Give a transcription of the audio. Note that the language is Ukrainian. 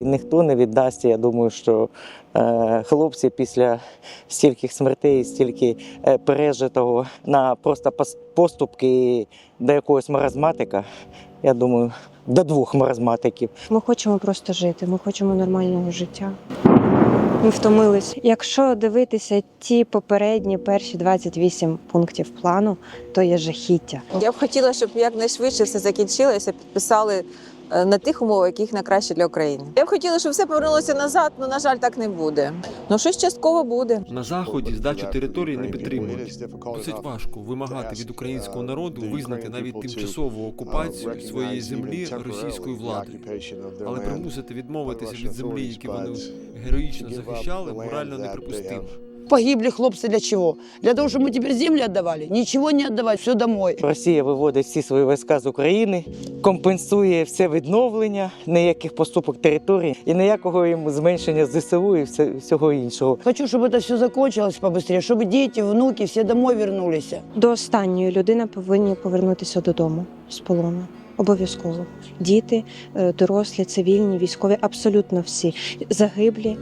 Ніхто не віддасть, я думаю, що хлопці після стількох смертей, стільки пережитого на просто поступки до якогось маразматика, я думаю, до 2 маразматиків. Ми хочемо просто жити, ми хочемо нормального життя. Ми втомились. Якщо дивитися ті попередні перші 28 пунктів плану, то є жахіття. Я б хотіла, щоб якнайшвидше все закінчилося, підписали на тих умовах, яких найкраще для України. Я б хотіла, щоб все повернулося назад, але, на жаль, так не буде. Ну, щось частково буде. На Заході здачу території не підтримують. Досить важко вимагати від українського народу визнати навіть тимчасову окупацію своєї землі російською владою. Але примусити відмовитися від землі, яку вони героїчно захищали, морально неприпустимо. Погибли хлопцы для чего? Для того, чтобы мы теперь земли отдавали? Ничего не отдавать, все домой. Росія виводить всі свої війська з України, компенсує все відновлення, ніяких поступок території і ніякого їм зменшення ЗСУ і всього іншого. Хочу, чтобы это все закончилось побыстрее, чтобы дети, внуки все домой вернулись. До останньої людини повинні повернутися додому з полону. Обов'язково. Діти, дорослі, цивільні, військові, абсолютно всі загиблі.